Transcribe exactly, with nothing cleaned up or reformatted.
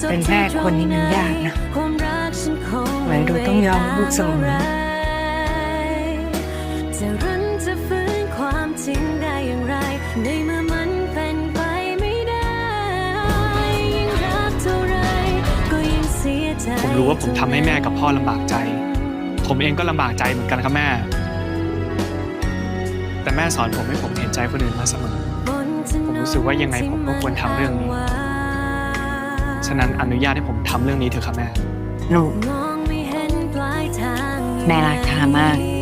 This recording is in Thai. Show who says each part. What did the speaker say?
Speaker 1: เป็นแม่คนนี้มันยากนะเหมือนดูต้องยอมลูกเสมอ
Speaker 2: จะรันจะฟื้นความจริงได้อย่างไรในเมื่อมันเป็นไปไม่ได้ยิ่งรักเท่าไรก็ยิ่งเสียใจ
Speaker 3: ผมรู้ว่าผมทำให้แม่กับพ่อลำบากใจผมเองก็ลำบากใจเหมือนกันครับแม่แต่แม่สอนผมให้ผมเห็นใจคนอื่นมาเสมอผมรู้สึกว่ายังไงผมก็ควรทำเรื่องนี้ฉะนั้นอนุญาตให้ผมทำเรื่องนี้เถอะครับแม่
Speaker 1: ลูกแม่รักทามาก